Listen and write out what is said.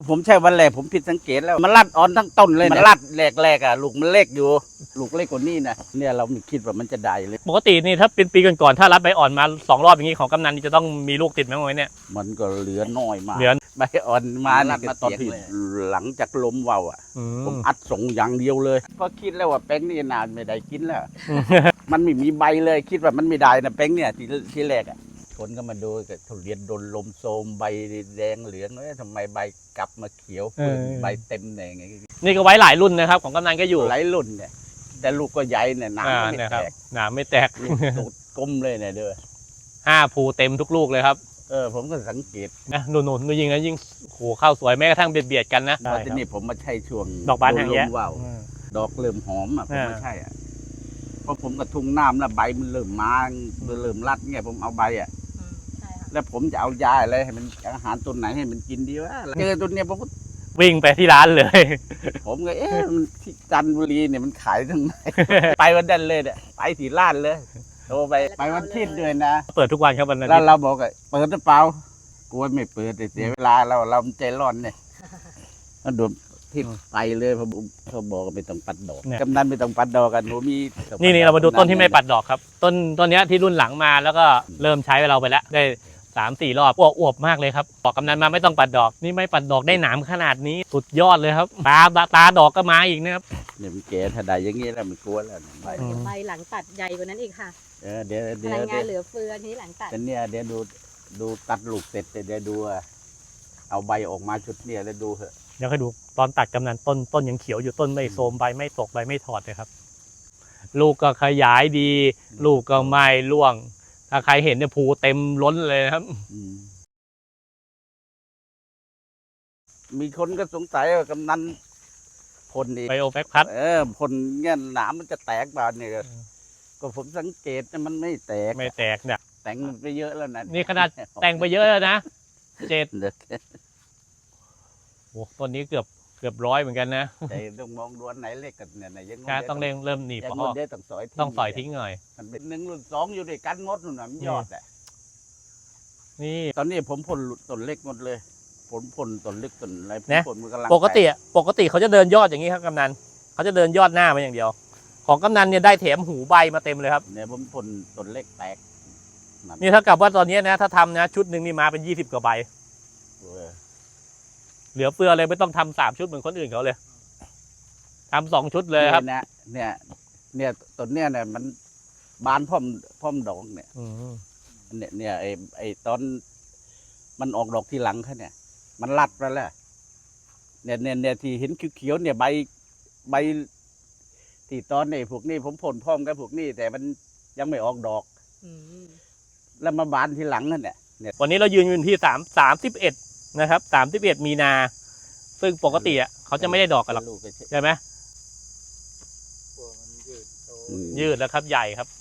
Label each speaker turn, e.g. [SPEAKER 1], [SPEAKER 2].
[SPEAKER 1] ผมใช่วันแรกผมผิดสังเกตแล้วมันรัดอ่อนทั้งต้นเลยมันรัดแรกๆอ่ะลูกมันเล็กอยู่ลูกเล็กกว่านี้นะเนี่ยเราไม่คิดว่ามันจะได้เลย
[SPEAKER 2] ปกตินี่ถ้าเป็นปีก่อนๆถ้ารัดใบอ่อนมา2 รอบอย่างนี้ของกำนันนี่จะต้องมีลูกติดไหมวะเนี่ย
[SPEAKER 1] มันก็เหลือน้อยมาก
[SPEAKER 2] เหลือ
[SPEAKER 1] ใบอ่อนมานี่ก็ตอนที่หลังจากล้มเบาอ่ะผมอัดส่งอย่างเดียวเลยก็คิดแล้วว่าแป้งนี่นานไม่ได้กินแล้ว มันไม่มีใบเลยคิดว่ามันไม่ได้นะแป้งเนี่ยที่แรกอ่ะคนก็มาดูกับทุเรียนโดนลมโทมใบแดงเหลืองเอ้ยทำไมใบกลับมาเขียวใบเต็มเนี่ยไง
[SPEAKER 2] นี่ก็ไว้หลายรุ่นนะครับของกำนันก็อยู่
[SPEAKER 1] หลายรุ่นเนี่ยแต่ลูกก็ใหญ่เนี่ยหนามไม่
[SPEAKER 2] เนี่ย
[SPEAKER 1] แต
[SPEAKER 2] ครับ
[SPEAKER 1] ก
[SPEAKER 2] หนามไม่แตก
[SPEAKER 1] ลูกตูดกลมเลยเนี่ยเด้อ
[SPEAKER 2] 5 ภูเต็มทุกลูกเลยครับ
[SPEAKER 1] ผมก็สังเกต
[SPEAKER 2] นะหนุนๆยิ่งนะยิ่งโหข้าวสวยแม้กระทั่งเบียดกันนะ
[SPEAKER 1] ว่าที่นี่ผมมาใช่ช่วง
[SPEAKER 2] ดอกบานหางแยะ
[SPEAKER 1] ลมว่าวดอกเริ่มหอมอ่ะผมมาใช่อ่ะเพราะผมกระทุงน้ำแล้วใบมันเริ่มมาเริ่มรัดเงี้ยผมเอาใบอ่ะ
[SPEAKER 3] ใช่ค่ะ
[SPEAKER 1] แล้วผมจะเอายาอะไรให้มันอาหารตัวไหนให้มันกินดีวะเจอตัวเนี้ยผมก็
[SPEAKER 2] วิ่งไปที่ร้านเลย
[SPEAKER 1] ผมก็มันที่จันทบุรีเนี่ยมันขายตรงไหน ไปวันนั้นเลยเนี่ยไปที่ร้านเลยโทรไปวันอาทิตย์ด้วยนะ
[SPEAKER 2] เปิดทุกวันครับวันนั้น
[SPEAKER 1] แล้วเราบอกเปิดหรือเปล่ากลัวไม่เปิดเสียเวลาเราใจร้อนเนี่ยมันโดนทิศไปเลยเขาบอกว่าไม่ต้องปัดดอกกำนันไม่ต้องปัดดอกกันหนูมี
[SPEAKER 2] นี่เรามาดูต้นที่ไม่ปัดดอกครับต้นเนี้ยที่รุ่นหลังมาแล้วก็เริ่มใช้เราไปแล้วได้3-4 รอบอวบมากเลยครับบอกกำนันมาไม่ต้องปัดดอกนี่ไม่ปัดดอกได้หนามขนาดนี้สุดยอดเลยครับตาดอกก็มาอีกนะครับ
[SPEAKER 1] เนี่ยมันแก่ถ้าได้อย่างงี้แล้วมันกลัวแล้วใบ
[SPEAKER 3] ใบหลังตัดใหญ่กว่านั้นอีกค่ะ
[SPEAKER 1] เดี๋ยว
[SPEAKER 3] พลังงานเหลือเฟือนี้หลังตัด
[SPEAKER 1] แต่เนี่ยเดี๋ยวดูตัดลูกเสร็จเดี๋ยวดูเอาใบออกมาชุดเนี่ยแล้วดูเถอะ
[SPEAKER 2] เดี๋ยวให้ดูตอนตัดกำนันต้นยังเขียวอยู่ต้นไม่โทรมใบไม่ตกใบไม่ถอดเลยครับลูกก็ขยายดี ลูกก็ไม่ร่วงถ้าใครเห็นเนี่ยภูเต็มล้นเลยนะครับ
[SPEAKER 1] มีคนก็สงสัยว่ากำนันพ่นนี่
[SPEAKER 2] ไบโอแบคพัด
[SPEAKER 1] พ่นเงี้ยหนามมันจะแตกเปล่าเนี่ยก็ผมสังเกตนะมันไม่แตก
[SPEAKER 2] ไม่แตกเนี่ย
[SPEAKER 1] แต่งไปเยอะแล้วนะ
[SPEAKER 2] นี่ขนาดแต่งไปเยอะแล้วนะ7
[SPEAKER 1] เด็ก
[SPEAKER 2] โอ้ต้นนี้เกือบ100เหมือนกันนะ
[SPEAKER 1] แต่ต้องมองดูอันไหนเล็กกันเนี่ยยัง
[SPEAKER 2] ใช่ต้องเริ่มหนีบ
[SPEAKER 1] ยัง
[SPEAKER 2] เพราะ
[SPEAKER 1] เดี๋ยวต้องสอย
[SPEAKER 2] ต้องสอยทิ้งหน่อย
[SPEAKER 1] มันเป็น1 รุ่น 2อยู่ด้วยกันหมดนู่นน่ะมันยอดอ่ะ
[SPEAKER 2] นี่
[SPEAKER 1] ตอนนี้ผมพ่นต้นเล็กหมดเลยผมพ่นต้นเล็กต้นอะไรผม
[SPEAKER 2] นะ
[SPEAKER 1] พ่นมันกำลัง
[SPEAKER 2] ปกติเขาจะเดินยอดอย่างนี้ครับกำนันเขาจะเดินยอดหน้ามาอย่างเดียว ของกำนันเนี่ยได้แถมหูใบมาเต็มเลยครับ
[SPEAKER 1] เนี่ยผมพ่นต้นเล็กแตก
[SPEAKER 2] นี่เท่ากับว่าตอนนี้นะถ้าทำนะชุดหนึ่งนี่มาเป็น20 กว่าใบ
[SPEAKER 1] เออ
[SPEAKER 2] เหลือเฟือเลยไม่ต้องทำ3 ชุดเหมือนคนอื่นเขาเลยทำ2 ชุดเลยครับ
[SPEAKER 1] เนี่ยต้นเนี่ยมันบานพร้อมดอกเนี่ย
[SPEAKER 2] อืม
[SPEAKER 1] เนี่ยไอ้ตอนมันออกดอกทีหลังเขาเนี่ยมันรัดไปแล้วเนี่ยที่เห็นเขียวๆเนี่ยใบที่ตอนนี้พวกนี้ผมพ่นพร้อมกับพวกนี้แต่มันยังไม่ออกดอก
[SPEAKER 3] อืม
[SPEAKER 1] แล้วมาบานทีหลังนั่นเนี่ย
[SPEAKER 2] วันนี้เรายืนอยู่ที่31นะครับ31 มีนา ซึ่งปกติอ่ะเขาจะไม่ได้ดอกกันหรอก
[SPEAKER 1] ลูกก็
[SPEAKER 2] ใช่ไหม
[SPEAKER 1] อืม
[SPEAKER 2] ยืดแล้วครับใหญ่ครับ